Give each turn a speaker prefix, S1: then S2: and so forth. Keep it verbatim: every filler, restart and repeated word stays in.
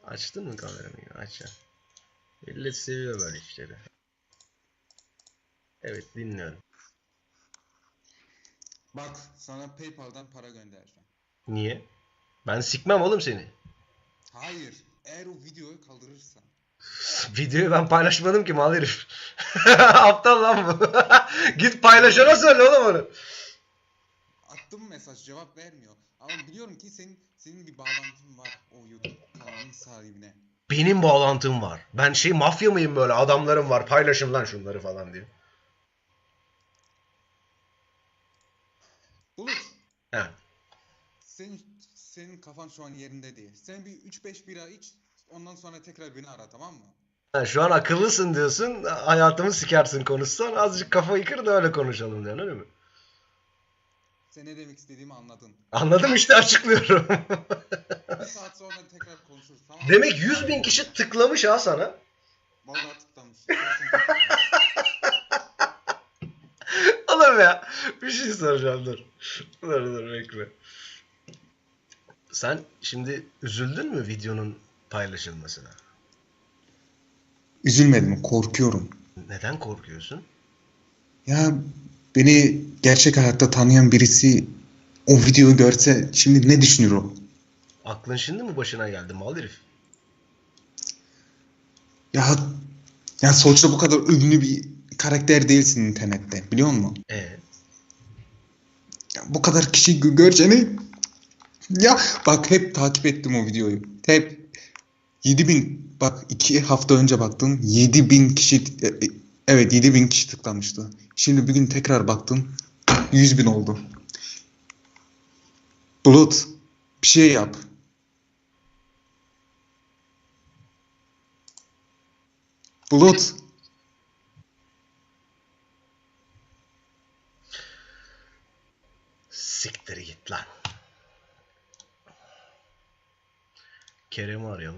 S1: Açtın mı kameranı? Aç ya. Millet seviyor böyle işleri. Evet, dinliyorum.
S2: Bak sana PayPal'dan para göndereceğim.
S1: Niye? Ben sikmem oğlum seni.
S2: Hayır. Eğer o videoyu kaldırırsan.
S1: Videoyu ben paylaşmadım ki mal herif. Aptal lan bu. Git paylaşana söyle oğlum onu.
S2: Attım mesaj, cevap vermiyor. Ama biliyorum ki senin senin bir bağlantın var o YouTube kanalının sahibine.
S1: Benim bağlantım var. Ben şey mafya mıyım böyle? Adamlarım var. Paylaşın lan şunları falan diye.
S2: Bulut,
S1: He.
S2: senin senin kafan şu an yerinde değil. Sen bir üç beş bira iç, ondan sonra tekrar beni ara, tamam mı?
S1: Ha, şu an akıllısın diyorsun. Hayatımı sikersin konuşsan. Azıcık kafayı kır da öyle konuşalım diyorsun, öyle mi?
S2: Sen ne demek istediğimi anladın.
S1: Anladım işte, açıklıyorum.
S2: Bir saat sonra tekrar konuşuruz, tamam mı?
S1: Demek yüz bin kişi tıklamış ha sana.
S2: Vallahi tıklamış. İstersen tekrar.
S1: Oğlum ya. Bir şey soracağım, dur. Dur dur bekle. Sen şimdi üzüldün mü videonun paylaşılmasına?
S2: Üzülmedim, korkuyorum.
S1: Neden korkuyorsun?
S2: Ya beni gerçek hayatta tanıyan birisi o videoyu görse şimdi ne düşünür o?
S1: Aklın şimdi mi başına geldi mal herif?
S2: Ya ya sonuçta bu kadar ünlü bir karakter değilsin internette, biliyor musun?
S1: E
S2: Ya bu kadar kişi gö- göreceğini, ya bak hep takip ettim o videoyu. Hep yedi bin, bak iki hafta önce baktım, yedi bin kişi, e, e, evet yedi bin kişi tıklamıştı. Şimdi bir gün tekrar baktım, yüz bin oldu. Bulut, bir şey yap. Bulut.
S1: siktir git lan. Kerem'i arayalım.